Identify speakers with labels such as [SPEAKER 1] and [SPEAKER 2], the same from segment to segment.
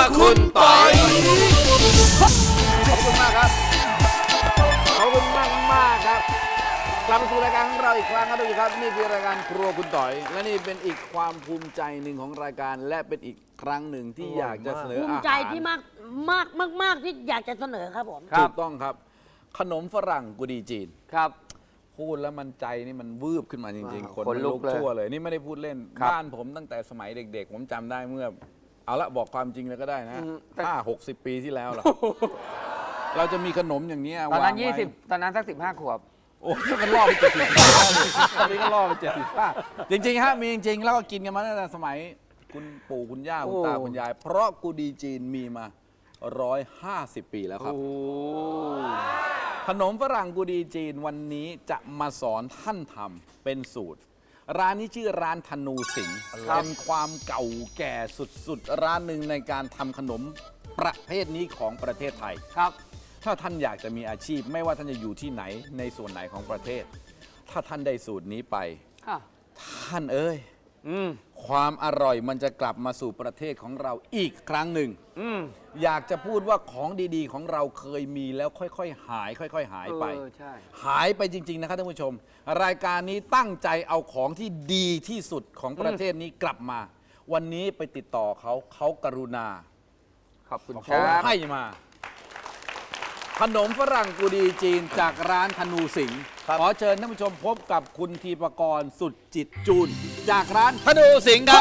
[SPEAKER 1] คุณปอย
[SPEAKER 2] ขอบคุณมากครับขอบคุณมากครับกลับมาสู่รายการของเราอีกครั้งครับทุกท่านครับนี่คือรายการครัวคุณต่อยและนี่เป็นอีกความภูมิใจหนึ่งของรายการและเป็นอีกครั้งหนึ่งที่อยากจะเสนอ
[SPEAKER 3] ภู
[SPEAKER 2] อา
[SPEAKER 3] มิ
[SPEAKER 2] หาร
[SPEAKER 3] ใจที่มากที่อยากจะเสนอครับผม
[SPEAKER 2] ถูกต้องครับ ขนมฝรั่งกุดีจีน
[SPEAKER 4] ครับ
[SPEAKER 2] พูดแล้วมันใจนี่มันวืบขึ้นมาจริงๆ คน
[SPEAKER 4] ขน
[SPEAKER 2] มัน
[SPEAKER 4] ลุ
[SPEAKER 2] ลุ
[SPEAKER 4] ก
[SPEAKER 2] ก
[SPEAKER 4] เลย
[SPEAKER 2] ชั่วเลยนี่ไม่ได้พูดเล่น
[SPEAKER 4] ครับ
[SPEAKER 2] บ้านผมตั้งแต่สมัยเด็กๆ ผมจำได้เมื่อเอาละบอกความจริงเลยก็ได้นะ50-60 ปีที่แล้วล่ะเราจะมีขนมอย่างนี้
[SPEAKER 4] ตอนนั้น
[SPEAKER 2] วางไว้
[SPEAKER 4] 20 ตอนนั้นสัก 15 ขวบ
[SPEAKER 2] โอ้ยมันล่อไป70 ตอนนี้ก็ล่อไป75จริงๆฮะมีจริงๆ แล้วก็กินกันมาตั้งแต่สมัยคุณปู่คุณย่าคุณตา
[SPEAKER 4] โอ้
[SPEAKER 2] คุณยาย เพราะกูดีจีนมีมา150 ปีแล้วครับ ขนมฝรั่งกูดีจีนวันนี้จะมาสอนท่านทำเป็นสูตร ร้านนี้ชื่อร้านธนูสิงห์เป็นความเก่าแก่สุดๆ ร้านหนึ่งในการทำขนมประเภทนี้ของประเทศไทย
[SPEAKER 4] ครับ
[SPEAKER 2] ถ้าท่านอยากจะมีอาชีพ ไม่ว่าท่านจะอยู่ที่ไหนในส่วนไหนของประเทศ ถ้าท่านได้สูตรนี้ไป
[SPEAKER 4] ค่ะ
[SPEAKER 2] ท่านเอ้ย ความอร่อยมันจะกลับมาสู่ประเทศของเราอีกครั้งหนึ่ง อยากจะพูดว่าของดีๆ ของเราเคยมีแล้วค่อยๆหายค่อยๆหายไป
[SPEAKER 4] ใช่
[SPEAKER 2] หายไปจริง ๆ นะครับท่านผู้ชม รายการนี้ตั้งใจเอาของที่ดีที่สุดของประเทศนี้กลับมา วันนี้ไปติดต่อเขากรุณา
[SPEAKER 4] ขอบคุณค
[SPEAKER 2] เขา
[SPEAKER 4] รับ
[SPEAKER 2] ให้มา ขนมฝรั่งกูดีจีนจากร้านธนูสิงห์ขอเชิญท่านผู้ชมพบกับคุณทีปกรณ์สุดจิตจูน จากร้านธนูสิงห์ครับ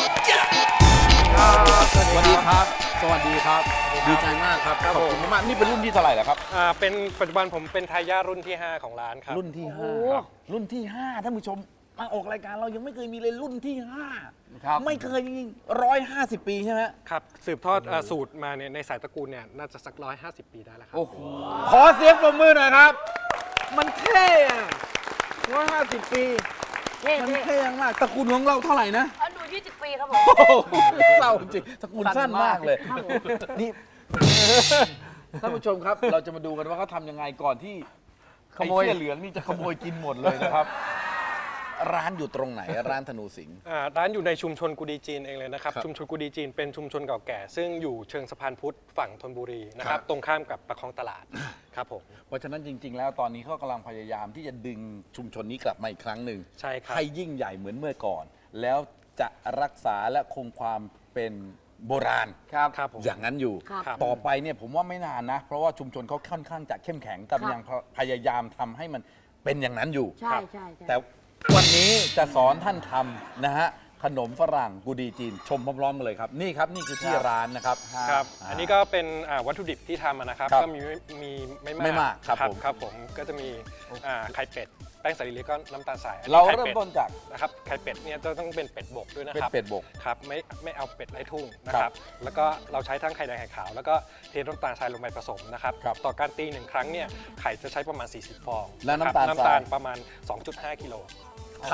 [SPEAKER 2] สวัสดีครับ สวัสดีครับ ดีใจมากครับขอบคุณมากนี่เป็นรุ่นที่เท่าไหร่แล้วครับ
[SPEAKER 1] เป็นปัจจุบันผมเป็นทายาทรุ่นที่ 5 ของร้านครับ
[SPEAKER 2] รุ่นที่
[SPEAKER 3] โอ้
[SPEAKER 2] 5ครับรุ่นที่ 5 ท่านผู้ชมมาออกรายการเรายังไม่เคยมีเลยรุ่นที่
[SPEAKER 4] ครับ
[SPEAKER 2] 5 ไม่เคยจริงๆ150 ปีใช่ไหม
[SPEAKER 1] ครับ สืบทอดสูตรมาเนี่ยในสายตระกูลเนี่ยน่าจะสัก150 ปีได้แล้วครับ
[SPEAKER 4] โอ้โห
[SPEAKER 2] ขอเสียงปรบมือหน่อยครับ มันเท่อะ150 ปี
[SPEAKER 3] เท่
[SPEAKER 2] มันเท่มากตระกูลของเราเท่าไหร่นะ
[SPEAKER 3] อันดู20 ปีครับผม
[SPEAKER 2] โอ้โหเศร้าจริงตระกูลสั้นมากเลย นี่ท่านผู้ชมครับ เราจะมาดูกันว่าเขาทำยังไงก่อนที่
[SPEAKER 4] ขโมย
[SPEAKER 2] ไอ้เสื้อเหลืองนี่จะขโมยกินหมดเลยนะครับ ร้านอยู่ตรงไหนร้านธนูสิงห์
[SPEAKER 1] ร้านอยู่ในชุมชนกุดีจีนเองเลยนะครับ
[SPEAKER 2] ครับ
[SPEAKER 1] ชุมชนกุดีจีนเป็นชุมชนเก่าแก่ ซึ่งอยู่เชิงสะพานพุทธฝั่งธนบุรีนะค
[SPEAKER 2] ครั
[SPEAKER 1] รับ บ ตรงข้ามกับประคองตลาดครับผม
[SPEAKER 2] เพราะฉะนั้นจริง ๆ แล้วตอนนี้เขากำลังพยายามที่จะดึงชุมชนนี้กลับมาอีกครั้งหนึ่ง
[SPEAKER 1] ใช่ครับ
[SPEAKER 2] ให้ยิ่งใหญ่เหมือนเมื่อก่อน แล้วจะรักษาและคงความเป็นโบราณ
[SPEAKER 4] ครับ
[SPEAKER 1] ครับผม
[SPEAKER 2] อย่างนั้นอยู่
[SPEAKER 3] ครับ
[SPEAKER 2] ต่อไปเนี่ยผมว่าไม่นานนะ เพราะว่าชุมชนเขาค่อนข้างจะเข้มแข็งแต่ยังพยายามทำให้มันเป็นอย่างนั้นอยู่
[SPEAKER 3] ใช่ใช่
[SPEAKER 2] แต่วันนี้จะสอนท่านทำนะฮะขนมฝรั่งกูดีจีน ชมพร้อมๆกันเลยครับ นี่ครับนี่คือที่ร้านนะครับ
[SPEAKER 1] ครับ อันนี้ก็เป็นวัตถุดิบที่ทำนะครับ
[SPEAKER 2] ครับ
[SPEAKER 1] ก็มีไม่
[SPEAKER 2] ไม่มากครับผม
[SPEAKER 1] ครับผม ก็จะมีไข่เป็ด แป้งสาลีเล็กก็น้ำตาลทรายอันนี้
[SPEAKER 2] เรา
[SPEAKER 1] ไข่
[SPEAKER 2] เริ่ม
[SPEAKER 1] เป็ด
[SPEAKER 2] ต้นจาก
[SPEAKER 1] นะครับไข่เป็ดเนี่ยจะต้องเป็นเป็ดบกด้วยนะ
[SPEAKER 2] เป็น
[SPEAKER 1] ครับ
[SPEAKER 2] เป็ดบก
[SPEAKER 1] ครับไม่เอาเป็ดไร้ทุ่งนะครับ แล้วก็เราใช้ทั้งไข่แดงไข่ขาว แล้วก็เทน้ำตาลทรายลงไปผสมนะครับ
[SPEAKER 2] ครับ
[SPEAKER 1] ต่อการตี1ครั้งเนี่ยไข่จะใช้ประมาณ 40 ฟอง
[SPEAKER 2] และน้ำตาล
[SPEAKER 1] ครับ
[SPEAKER 2] ทราย
[SPEAKER 1] ประมาณ 2.5 กิโล
[SPEAKER 2] ไข่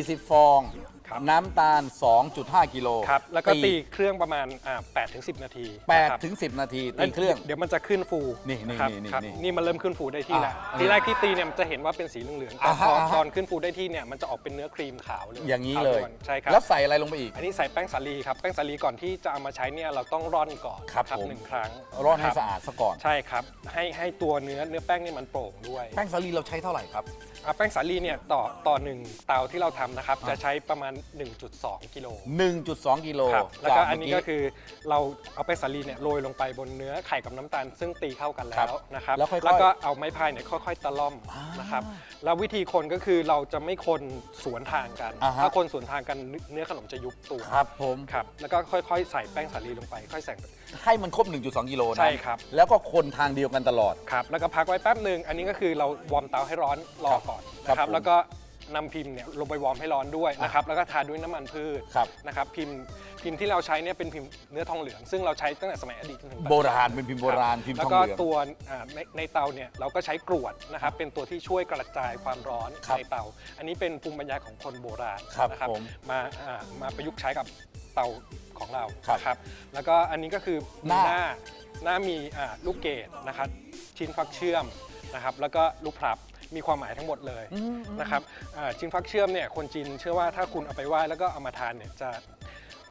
[SPEAKER 2] 40 ฟอง
[SPEAKER 1] ครับ
[SPEAKER 2] น้ำตาล 2.5 กิโล
[SPEAKER 1] ครับแล้วก็ตีเครื่องประมาณ8 ถึง 10 นาทีนะครับ
[SPEAKER 2] 8 ถึง 10 นาที
[SPEAKER 1] แล้ว
[SPEAKER 2] ตีเครื่อง
[SPEAKER 1] เดี๋ยวมันจะขึ้นฟู
[SPEAKER 2] นี่
[SPEAKER 1] ครับ
[SPEAKER 2] นี่
[SPEAKER 1] ครับ
[SPEAKER 2] นี่
[SPEAKER 1] นี่มันเริ่มขึ้นฟูได้ที่แล้ว
[SPEAKER 2] อ่ะ
[SPEAKER 1] ทีแรกที่ตีเนี่ยมันจะเห็นว่าเป็นสีเหลืองๆแต่
[SPEAKER 2] อ่าฮะ
[SPEAKER 1] พอ
[SPEAKER 2] อ่าฮะ
[SPEAKER 1] ตอนขึ้นฟูได้ที่เนี่ยมันจะออกเป็นเนื้อครีมขาวเลย
[SPEAKER 2] อย่างนี้
[SPEAKER 1] ขว
[SPEAKER 2] เลย
[SPEAKER 1] วใช่ครับ
[SPEAKER 2] แล้วใส่อะไรลงไปอีก
[SPEAKER 1] อันนี้ใส่แป้งสาลีครับแป้งสาลีก่อนที่จะเอามาใช้เนี่ยเราต้องร่อนก่อน
[SPEAKER 2] ครับผม
[SPEAKER 1] 1 ครั้ง
[SPEAKER 2] ร่อนให้
[SPEAKER 1] คบ
[SPEAKER 2] สะอาดซะก่อน
[SPEAKER 1] ใช่ครับให้ตัวเนื้อแป้งนี่มันโปร่งด้วย
[SPEAKER 2] แป้งสาลีเราใช้เท่าไหร่ครับ
[SPEAKER 1] แป้งสาลีเนี่ยต่อ1เตาที่เราทำนะครับจะใช้ประมาณ 1.2 กิโล
[SPEAKER 2] 1.2 กิโล
[SPEAKER 1] ครับแล้วก็อันนี้
[SPEAKER 2] จา
[SPEAKER 1] ก็
[SPEAKER 2] เมื่
[SPEAKER 1] คือเราเอาแป้งสาลีเนี่ยโรยลงไปบนเนื้อไข่กับน้ำตาล ซึ่งตีเข้ากันแล้
[SPEAKER 2] ครั
[SPEAKER 1] ว
[SPEAKER 2] บ
[SPEAKER 1] นะครับ
[SPEAKER 2] แล้วค่อยๆ
[SPEAKER 1] แล้วก็เอาไม้พายเนี่ยค่อยๆตะล่อมนะครับแล้ววิธีคนก็คือเราจะไม่คนสวนทางกัน
[SPEAKER 2] อ่าฮะ
[SPEAKER 1] ถ้าคนสวนทางกันเนื้อขนมจะยุบตัว
[SPEAKER 2] ครับผม
[SPEAKER 1] ครับแล้วก็ค่อยๆใส่แป้งสาลีลงไปค่อยใส่
[SPEAKER 2] ให้มันครบ 1.2 กิโลนะ
[SPEAKER 1] ใช่ครับ
[SPEAKER 2] แล้วก็คนทางเดียวกันตลอด
[SPEAKER 1] ครับแล้วก็พักไว้แป๊บหนึ่งอันนี้ก็คือเราวอร์มเตาให้ร้อนรอก่อน
[SPEAKER 2] ครับ
[SPEAKER 1] นะครับ
[SPEAKER 2] ผม
[SPEAKER 1] แล้วก็นำพิมพ์เนี่ยลงไปวอร์มให้ร้อนด้วยนะครับแล้วก็ทาด้วยน้ำมันพืช
[SPEAKER 2] ครับ
[SPEAKER 1] นะครับพิมพ์ที่เราใช้เนี่ยเป็นพิมพ์เนื้อทองเหลืองซึ่งเราใช้ตั้งแต่สมัยอดีตจนถึงปัจจุ
[SPEAKER 2] โบ
[SPEAKER 1] บัน
[SPEAKER 2] ราณเป็นพิมพ์โบราณพิมพ์
[SPEAKER 1] แล้
[SPEAKER 2] ท
[SPEAKER 1] ว
[SPEAKER 2] อง
[SPEAKER 1] ก็
[SPEAKER 2] เหลือง
[SPEAKER 1] ตัวในเตาเนี่ยเราก็ใช้กรวดนะครับเป็นตัวที่ช่วยกระจายความร้อน
[SPEAKER 2] ครับ
[SPEAKER 1] ในเตา อันนี้เป็นภูมิปัญญาของคนโบราณ
[SPEAKER 2] ครับ
[SPEAKER 1] นะครับ
[SPEAKER 2] ผม
[SPEAKER 1] มาประยุกต์ใช้กับเตาของเรา
[SPEAKER 2] ครับ
[SPEAKER 1] นะครับแล้วก็อันนี้ก็คือ
[SPEAKER 2] หน้า
[SPEAKER 1] มีลูกเกดนะครับชิ้นฟักเชื่อมนะครับแล้วก็ลูกพลับมีความหมายทั้งหมดเลยนะครับชิ้นฟักเชื่อมเนี่ยคนจีนเชื่อว่าถ้าคุณเอาไปไหว้แล้วก็เอามาทานเนี่ยจะ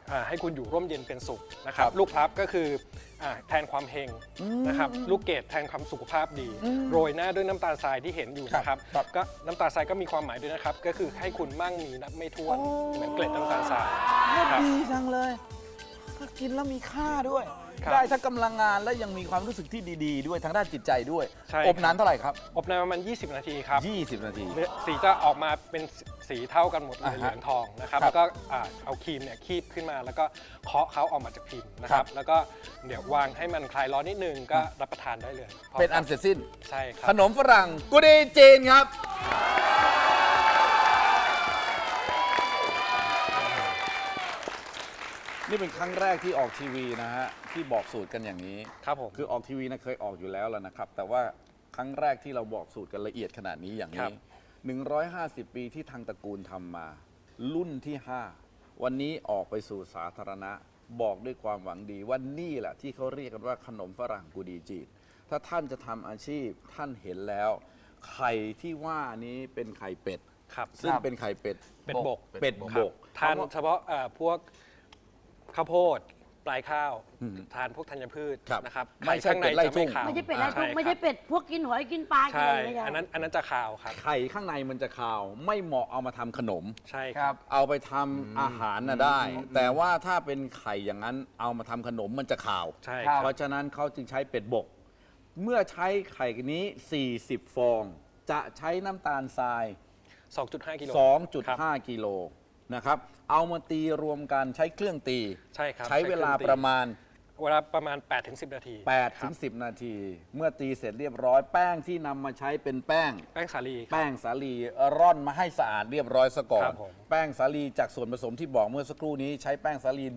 [SPEAKER 1] ให้คุณอยู่ร่มเย็นเป็นสุขนะครับ
[SPEAKER 2] ครับ
[SPEAKER 1] ลูกพลับก็คือแทนความเฮงนะครับลูกเกดแทนความสุขภาพดี โรยหน้าด้วยน้ำตาลทรายที่เห็นอยู่นะครับ
[SPEAKER 2] ครับ
[SPEAKER 1] ก็น้ำตาลทรายก็มีความหมายด้วยนะครับ ก็คือให้คุณมั่งมีนับไม่ถ้วนเหมือนเกล็ดน้ำตาลทรายครับ
[SPEAKER 2] ดีจังเลยถ้ากินแล้วมีค่าด้วย
[SPEAKER 1] ครับ
[SPEAKER 2] ได้ทั้งกำลังงานและยังมีความรู้สึกที่ดีๆ ด้วยทางด้านจิตใจด้วย
[SPEAKER 1] ใช่
[SPEAKER 2] อบนานเท่าไหร่ครับ
[SPEAKER 1] อบนานประมาณ 20 นาทีครับ
[SPEAKER 2] 20 นาที
[SPEAKER 1] สีจะออกมาเป็นสีเท่ากันหมดเลย
[SPEAKER 2] อ่าฮะ
[SPEAKER 1] เหลืองทองนะครับ
[SPEAKER 2] ครับ
[SPEAKER 1] แล้วก็เอาครีมเนี่ยคีบขึ้นมาแล้วก็เคาะเขาออกมาจากพิมพ์นะค
[SPEAKER 2] ครั
[SPEAKER 1] รับ บแล้วก็เดี๋ยววางให้มันคลายร้อนนิดนึงก็รับประทานได้เลย
[SPEAKER 2] เป็นอันเสร็จสิ้น
[SPEAKER 1] ใช่ครั
[SPEAKER 2] ขนมฝรั่งกุดีจีนครับ นี่เป็นครั้งแรกที่ออกทีวีนะฮะที่บอกสูตรกันอย่างนี้
[SPEAKER 1] ครับผม
[SPEAKER 2] คือออกทีวีนะเคยออกอยู่แล้วแล้วนะครับ แต่ว่าครั้งแรกที่เราบอกสูตรกันละเอียดขนาดนี้อย่าง
[SPEAKER 1] ครั
[SPEAKER 2] นี้
[SPEAKER 1] บ
[SPEAKER 2] 150 ปีที่ทางตระกูลทำมา รุ่นที่ 5 วันนี้ออกไปสู่สาธารณะ บอกด้วยความหวังดีว่านี่แหละที่เขาเรียกกันว่าขนมฝรั่งกุดีจีนถ้าท่านจะทำอาชีพท่านเห็นแล้ว ไข่ที่ว่านี้เป็นไข่เป็ด
[SPEAKER 1] ครับ
[SPEAKER 2] ซึ่งเป็นไข่เป็ด
[SPEAKER 1] เป็นบก
[SPEAKER 2] เป็ด
[SPEAKER 1] ครับ
[SPEAKER 2] บก
[SPEAKER 1] ทานเฉพาะพวกข้าวโพดปลายข้าว ทานพวกธัญพืช
[SPEAKER 2] ครับ
[SPEAKER 1] นะครับ
[SPEAKER 2] ไม่ใช่
[SPEAKER 1] ข้างใน
[SPEAKER 2] เป็ดไล่
[SPEAKER 1] จะ
[SPEAKER 2] ทุ่
[SPEAKER 1] ไม่
[SPEAKER 2] ง
[SPEAKER 1] ขาว
[SPEAKER 3] ไม่ใช่เป็ดไร้ทุกข์
[SPEAKER 1] ใช่
[SPEAKER 3] ไม่ใช่
[SPEAKER 1] ครับ
[SPEAKER 3] เป็ดพวกกินหอยกินปลากิน
[SPEAKER 1] ใช่
[SPEAKER 3] อะไรไม่ใช่
[SPEAKER 1] อันนั้นจะขาวครับ
[SPEAKER 2] ไข่ข้างในมันจะคาว ไม่เหมาะเอามาทำขนม
[SPEAKER 1] ใช่
[SPEAKER 4] ค
[SPEAKER 1] ค
[SPEAKER 4] รั
[SPEAKER 1] รับ บ
[SPEAKER 2] เอาไปทำอาหารน่ะได้ แต่ว่าถ้าเป็นไข่อย่างนั้นเอามาทำขนมมันจะขาว
[SPEAKER 1] ใช่
[SPEAKER 4] ครั
[SPEAKER 1] ครับ บ
[SPEAKER 2] เพราะฉะนั้นเขาจึงใช้เป็ดบก เมื่อใช้ไข่นี้ 40 ฟอง จะใช้น้ำตาลทราย
[SPEAKER 1] 2.5 กิโล
[SPEAKER 2] 2.5 กิโลนะครับ เอามาตีรวมกันใช้เครื่องตี
[SPEAKER 1] ใช่ครับ
[SPEAKER 2] ใช้เวลาประมาณ
[SPEAKER 1] เวลาประมาณ 8-10 นาที
[SPEAKER 2] 8 ถึง 10 นาที เมื่อตีเสร็จเรียบร้อยแป้งที่นำมาใช้เป็นแป้ง
[SPEAKER 1] แป้งสาลีครับ
[SPEAKER 2] แป้งสาลีร่อนมาให้สะอาดเรียบร้อยซะก่อ
[SPEAKER 1] ครั
[SPEAKER 2] น
[SPEAKER 1] บผม
[SPEAKER 2] แป้งสาลีจากส่วนผสมที่บอกเมื่อสักครู่นี้ใช้แป้งสาลี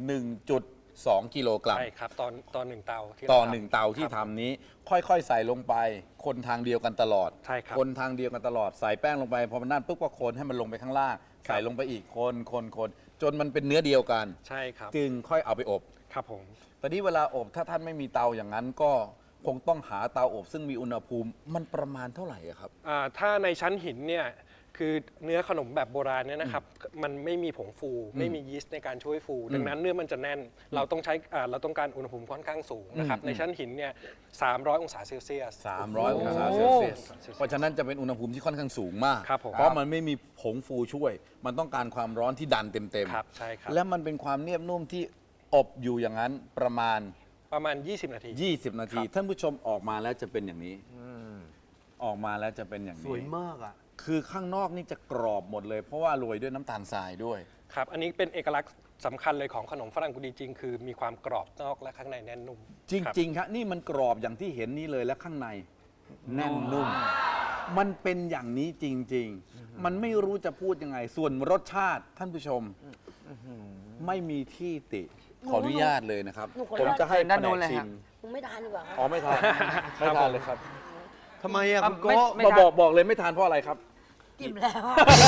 [SPEAKER 2] 1.2 กิโลกรัม
[SPEAKER 1] ใช่ครับตอนหนึ่งเตาที่
[SPEAKER 2] ต่อ
[SPEAKER 1] รทำ
[SPEAKER 2] หนึ่งเตาที่
[SPEAKER 1] ครับ
[SPEAKER 2] ทำนี้ ค่อยๆ ใส่ลงไป คนทางเดียวกันตลอด
[SPEAKER 1] ใช่ครับ
[SPEAKER 2] คนทางเดียวกันตลอดใส่แป้งลงไปพอมันนั่นปุ๊บก็คนให้มันลงไปข้างล่าง ใส่ลงไปอีกคนจนมันเป็นเนื้อเดียวกัน
[SPEAKER 1] ใช่ครับ
[SPEAKER 2] จึงค่อยเอาไปอบ
[SPEAKER 1] ครับผม
[SPEAKER 2] ตอนนี้เวลาอบถ้าท่านไม่มีเตาอย่างนั้นก็คงต้องหาเตาอบ ซึ่งมีอุณหภูมิมันประมาณเท่าไหร่อะครับ
[SPEAKER 1] ถ้าในชั้นหินเนี่ยคือเนื้อขนมแบบโบราณเนี่ยนะครับมันไม่มีผงฟู ไม่มียีสต์ในการช่วยฟู ดังนั้นเนื้อมันจะแน่นเราต้องใช้เราต้องการอุณหภูมิค่อนข้างสูงนะครับในชั้นหินเนี่ย300 องศาเซลเซียส
[SPEAKER 2] 300 องศาเซลเซียส เพราะฉะนั้นจะเป็นอุณหภูมิที่ค่อนข้างสูงมาก
[SPEAKER 1] ครับผม
[SPEAKER 2] เพราะมันไม่มีผงฟูช่วย มันต้องการความร้อนที่ดันเต็ม
[SPEAKER 1] ครับใช่ครับ
[SPEAKER 2] และมันเป็นความเนียบนุ่มที่อบอยู่อย่างนั้นประมาณ
[SPEAKER 1] 20 นาที
[SPEAKER 2] 20 นาที
[SPEAKER 1] ครับ
[SPEAKER 2] ท่านผู้ชมออกมาแล้วจะเป็นอย่างนี้ออกมาแล้วจะเป็นอย่าง
[SPEAKER 5] ส
[SPEAKER 2] นี้
[SPEAKER 5] วยมากอ่ะ
[SPEAKER 2] คือข้างนอกนี่จะกรอบหมดเลย เพราะว่าโรยด้วยน้ำตาลทรายด้วย
[SPEAKER 1] ครับอันนี้เป็นเอกลักษณ์สำคัญเลยของขนมฝรั่งกุดีจริง คือมีความกรอบนอกและข้างในแน่นนุ่ม
[SPEAKER 2] จริงๆครับนี่มันกรอบอย่างที่เห็นนี่เลยและข้างในแน่นนุ่ม มันเป็นอย่างนี้จริง ๆ มันไม่รู้จะพูดยังไง ส่วนรสชาติท่านผู้ชมไม่มีที่ติ ขออนุญาตเลยนะครับ ผมจะให้
[SPEAKER 4] ด้าน
[SPEAKER 2] แผ
[SPEAKER 4] โน้
[SPEAKER 2] น
[SPEAKER 4] น
[SPEAKER 2] ก
[SPEAKER 4] เลย
[SPEAKER 2] ชิ
[SPEAKER 4] ฮะ
[SPEAKER 2] ม
[SPEAKER 3] ผมไม่ทานดีกว่าครับ
[SPEAKER 2] อ๋อไม่ทานไม่ทานเลยครับ
[SPEAKER 5] ทำไมอ่ะคุณ
[SPEAKER 4] ไม่
[SPEAKER 5] โก้
[SPEAKER 4] ไม่
[SPEAKER 2] บอกเลยไม่ทานเพราะอะไรครับ
[SPEAKER 3] กินแล้ว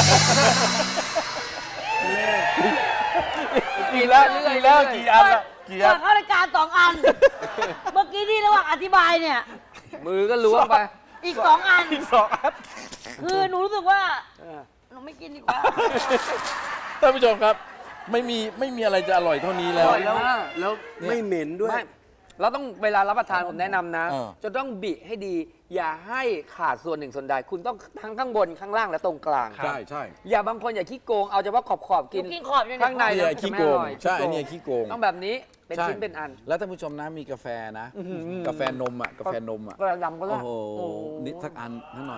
[SPEAKER 2] กี่แล้วกี่อันละกี่อั
[SPEAKER 3] ก่อน นเข้ารายการ2 อัน เมื่อกี้ที่ระหว่างอธิบายเนี่ย
[SPEAKER 4] มือก็ล้วงไป
[SPEAKER 3] อีก 2 อัน
[SPEAKER 2] อีก2 อัน
[SPEAKER 3] คือหนูรู้สึกว่าหนูไม่กินดีกว่า
[SPEAKER 2] ท่านผู้ชมครับไม่มีอะไรจะอร่อยเท่านี้แล้ว
[SPEAKER 4] อร่อย
[SPEAKER 5] แล้วไม่เหม็นด้วย
[SPEAKER 4] ไม่เราต้องเวลารับประทานผมแนะนำนะ
[SPEAKER 2] เออ
[SPEAKER 4] จะต้องบิให้ดี อย่าให้ขาดส่วนหนึ่งส่วนใด คุณต้องทั้งข้างบนข้างล่างและตรงกลาง
[SPEAKER 2] ใช่ใช่
[SPEAKER 4] อย่าบางคนอย่าขี้โกงเอาเฉพาะขอบๆกิน
[SPEAKER 3] หนูกินขอบเนี่ย
[SPEAKER 4] ข้างใน
[SPEAKER 2] เนี่ย
[SPEAKER 4] แล้ว
[SPEAKER 2] ขี้
[SPEAKER 4] จะไม่
[SPEAKER 2] โก
[SPEAKER 4] อง ร่อย
[SPEAKER 2] ใช่
[SPEAKER 4] ขี้โกง
[SPEAKER 2] เนี่ยขี้โกง
[SPEAKER 4] ต้องแบบนี้เป็น
[SPEAKER 2] ใช่
[SPEAKER 4] ชิ้นเป็นอัน
[SPEAKER 2] แล้วท่านผู้ชมนะมีกาแฟนะ กาแฟนมอ่ะกาแฟนมอ่ะ
[SPEAKER 4] กระดำก็ได้
[SPEAKER 2] โอ้โหนิดสักอันนิดหน่อย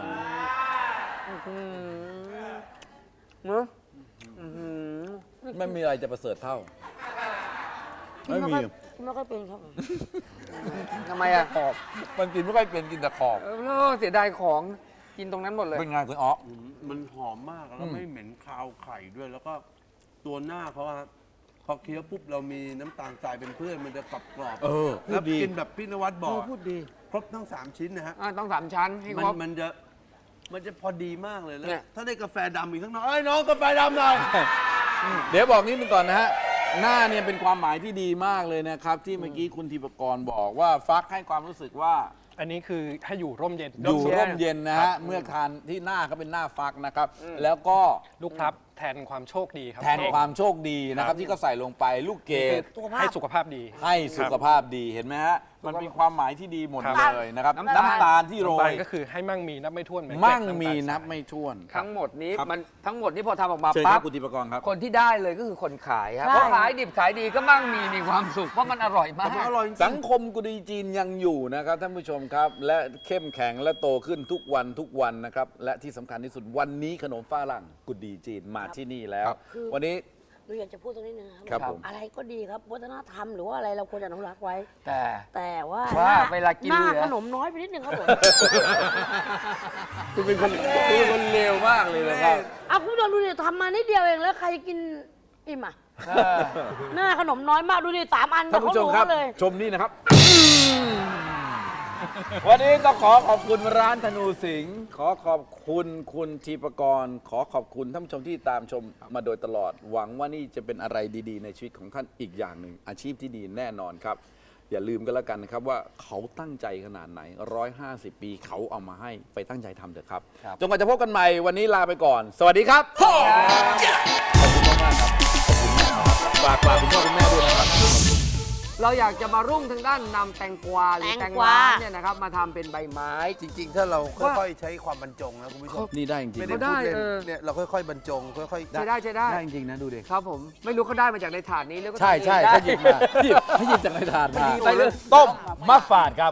[SPEAKER 4] เนอะอื้อหือ
[SPEAKER 2] ไม่มีอะไรจะประเสริฐเท่า ไม่มี
[SPEAKER 3] กินไม่ค่อยเป็นครับผม
[SPEAKER 4] ทำไมอ่ะ
[SPEAKER 2] ขอบมันกินไม่ค่อยเป็นกินแต่ขอบ
[SPEAKER 4] เสียดายของกินตรงนั้นหมดเลย
[SPEAKER 2] เป็นไงคุณอ๋อ
[SPEAKER 5] มันหอมมากแล้วไม่เหม็นคาวไข่ด้วย แล้วก็ตัวหน้าเขาอะพอเคี้ยวปุ๊บเรามีน้ำตาลทรายเป็นเพื่อนมันจะกรอบกรอบ
[SPEAKER 2] เออพู
[SPEAKER 5] แล้
[SPEAKER 2] ด
[SPEAKER 5] ว
[SPEAKER 2] ดี
[SPEAKER 5] กินแบบพี่นวัดบอก
[SPEAKER 2] พูดดี
[SPEAKER 5] ครบทั้ง 3 ชิ้นนะฮะ
[SPEAKER 4] ต้อง3 ชั้นให้ครบ
[SPEAKER 5] มันจะพอดีมากเลยแล้ว
[SPEAKER 4] เนี่ย
[SPEAKER 5] ถ้าได้กาแฟดำอีกสักหน่อยเอ้ยน้องกาแฟดำหน่อย
[SPEAKER 2] เดี๋ยวบอกนิดนึงก่อนนะฮะ หน้าเนี่ยเป็นความหมายที่ดีมากเลยนะครับ ที่เมื่อกี้คุณธีปกรณ์บอกว่าฟักให้ความรู้สึกว่า
[SPEAKER 1] อันนี้คือให้อยู่ร่มเย็น
[SPEAKER 2] อยู่ร่มเย็นนะฮะ เมื่อทานที่หน้าก็เป็นหน้าฟักนะครับ แล้วก็
[SPEAKER 1] ลูกพลับแทนความโชคดีครับ
[SPEAKER 2] แทนความโชคดีนะครับที่เขาใส่ลงไปลูกเกด
[SPEAKER 1] ให้สุขภาพดี
[SPEAKER 2] ให้สุขภาพดีเห็นไหมฮะมันมีความหมายที่ดีหมด
[SPEAKER 1] ครับ
[SPEAKER 2] เลยนะครับ
[SPEAKER 4] น้ำตาล
[SPEAKER 2] น้ำตาลที่โร
[SPEAKER 1] น้ำตาล
[SPEAKER 2] ย
[SPEAKER 1] ก็คือให้มั่งมีนับไม่ถ้วนเหอน
[SPEAKER 2] มั่ง
[SPEAKER 1] เกล็ด
[SPEAKER 2] มี
[SPEAKER 1] ำตาล
[SPEAKER 2] นับ
[SPEAKER 1] ทราย
[SPEAKER 2] ไม่ถ้วน
[SPEAKER 4] ทั้งหมดนี้
[SPEAKER 2] ครับ
[SPEAKER 4] มันทั้งหมดนี้พอทำออกมา
[SPEAKER 2] เชิญค
[SPEAKER 4] ปั๊
[SPEAKER 2] รับบ คุณธิปกรครับ
[SPEAKER 4] คนที่ได้เลยก็คือคนขายครับ
[SPEAKER 3] ใช่
[SPEAKER 4] เพราะขายดิบขายดีก็มั่งมีความสุขเพราะมันอร่อยมาก
[SPEAKER 5] อร่อยจริง
[SPEAKER 2] สังคมกุดีจีนยังอยู่นะครับท่านผู้ชมครับ และเข้มแข็งและโตขึ้นทุกวันนะครับและที่สำคัญที่สุดวันนี้ขนมฝรั่งกุดีจีนมาที่นี่แล้ว
[SPEAKER 3] คือ
[SPEAKER 2] วันนี้
[SPEAKER 3] หนูอยากจะพูดตรงนี้นึงนะครับ
[SPEAKER 2] ครับผม
[SPEAKER 3] อะไรก็ดีครับวัฒนธรรมหรือว่าอะไรเราควรจะอนุรักษ์ไว้ แต่ว่า
[SPEAKER 4] ว่า
[SPEAKER 3] หน้
[SPEAKER 4] เวลากิน
[SPEAKER 3] หน้า
[SPEAKER 4] เหลือ
[SPEAKER 3] ขนมน้อยไปนิดนึงครับผม
[SPEAKER 2] คุณเป็นคนเลวมากเลยนะครับ
[SPEAKER 3] เอาคุณผู้ชมดูดิทำมานิดเดียวเองแล้วใครกินอิ่มอ่ะหน้าขนมน้อยมากดูดิ3 อัน
[SPEAKER 2] ท่านผู้ชม
[SPEAKER 3] เขา
[SPEAKER 2] ครับ
[SPEAKER 3] เลย
[SPEAKER 2] ชมนี่นะครับ วันนี้ต้องขอขอบคุณร้านธนูสิงห์ขอขอบคุณคุณทีปกรณ์ขอขอบคุณท่านผู้ชมที่ตามชมมาโดยตลอด หวังว่านี่จะเป็นอะไรดีๆ ในชีวิตของท่านอีกอย่างหนึ่งอาชีพที่ดีแน่นอนครับ อย่าลืมกันแล้วกันนะครับว่าเขาตั้งใจขนาดไหน 150 ปีเขาเอามาให้ไปตั้งใจทำเถอะครับจนกว่าจะพบกันใหม่วันนี้ลาไปก่อน สวัสดีครับขอบคุณมากๆครับฝากคุณพ่อคุณแม่ด้วยนะครับ
[SPEAKER 4] เราอยากจะมารุ่งทางด้านนำแตงกวาหรือ
[SPEAKER 3] แต
[SPEAKER 4] แต
[SPEAKER 3] ง
[SPEAKER 4] ง
[SPEAKER 3] กวา
[SPEAKER 4] ร้านเนี่ยนะครับมาทำเป็นใบไม้
[SPEAKER 5] จริง ๆ ถ้าเราค่อยๆใช้ความบรรจงนะคุณผู้ชม
[SPEAKER 2] นี่ได้จริง
[SPEAKER 5] ไม่
[SPEAKER 2] ๆ
[SPEAKER 5] ได้
[SPEAKER 4] ได้
[SPEAKER 5] พูดเล่น
[SPEAKER 4] เออ
[SPEAKER 5] เนี่ยเราค่อยๆบรรจงค่อยๆ
[SPEAKER 4] ใช้ได้
[SPEAKER 2] ได้จริงๆนะดูดิ
[SPEAKER 4] ครับผมไม่รู้เขาได้มาจากในถาดนี้หรือก็
[SPEAKER 2] ใช่
[SPEAKER 4] ทำเอง
[SPEAKER 2] เขา
[SPEAKER 4] ได้
[SPEAKER 2] หยิบมาหยิบจากในถาดมา
[SPEAKER 4] ไปเลย
[SPEAKER 2] ต้มมะฝาดครับ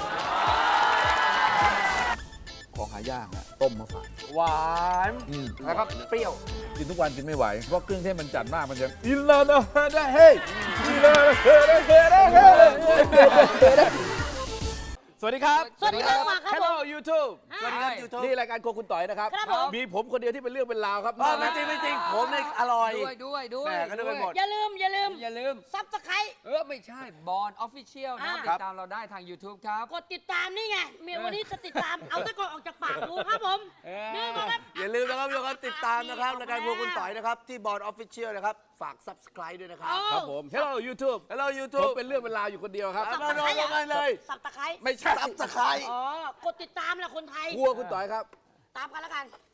[SPEAKER 2] ของหายากนะต้มมะฝาด
[SPEAKER 4] หวานแล้วก็เปรี้ยว
[SPEAKER 2] กินทุกวันกินไม่ไหว เพราะเครื่องเทศมันจัดมากมันจะอินลาโนเฮเดเฮ้อินลาโนเฮเดเฮ้สวัสดีครับ
[SPEAKER 3] สวัสดีครับมาครับ
[SPEAKER 2] Hello YouTube
[SPEAKER 5] สวัสดีครับยูทูบ
[SPEAKER 2] นี่รายการโครัวคุณต่อยนะครับ
[SPEAKER 3] ครับผม
[SPEAKER 2] มีผมคนเดียวที่เป็นเรื่องเป็นราวครับ
[SPEAKER 5] ไม่จริงไม่จริงผมเนี่ยอร่อย
[SPEAKER 4] ด้วย
[SPEAKER 5] แหม่ก็นึกไปหมด
[SPEAKER 3] อย่าลืม
[SPEAKER 4] อย่าลืม
[SPEAKER 3] ซับสไคร
[SPEAKER 4] ไม่ใช่บอลออฟฟิเชียลนะครับ
[SPEAKER 3] อ่า
[SPEAKER 4] ติดตามเราได้ทาง YouTube ครับ
[SPEAKER 3] กดติดตามนี่ไงเมียวันนี้จะติดตาม เอาตะกอนออกจากปากดูครับผมนี่มาครับ
[SPEAKER 5] อย่าลืมนะครับทุกคนติดตามนะครับรายการพวกคุณต่อยนะครับ ที่บอร์ดออฟฟิเชียลนะครับ ฝาก subscribe ด้วยนะครับ
[SPEAKER 2] ครับผม Hello YouTube
[SPEAKER 5] Hello
[SPEAKER 2] ผม
[SPEAKER 5] YouTube
[SPEAKER 2] เป็นเรื่องเป็นราวอยู่คนเดียวครับ
[SPEAKER 5] มาลงกันเลย
[SPEAKER 3] สับตะไคร้
[SPEAKER 2] ไม่ใช่
[SPEAKER 5] subscribe
[SPEAKER 3] อ๋อ กดติดตามแหละคนไทย
[SPEAKER 2] ครัวคุณต่อยครับ
[SPEAKER 3] ตามกันแล้วกัน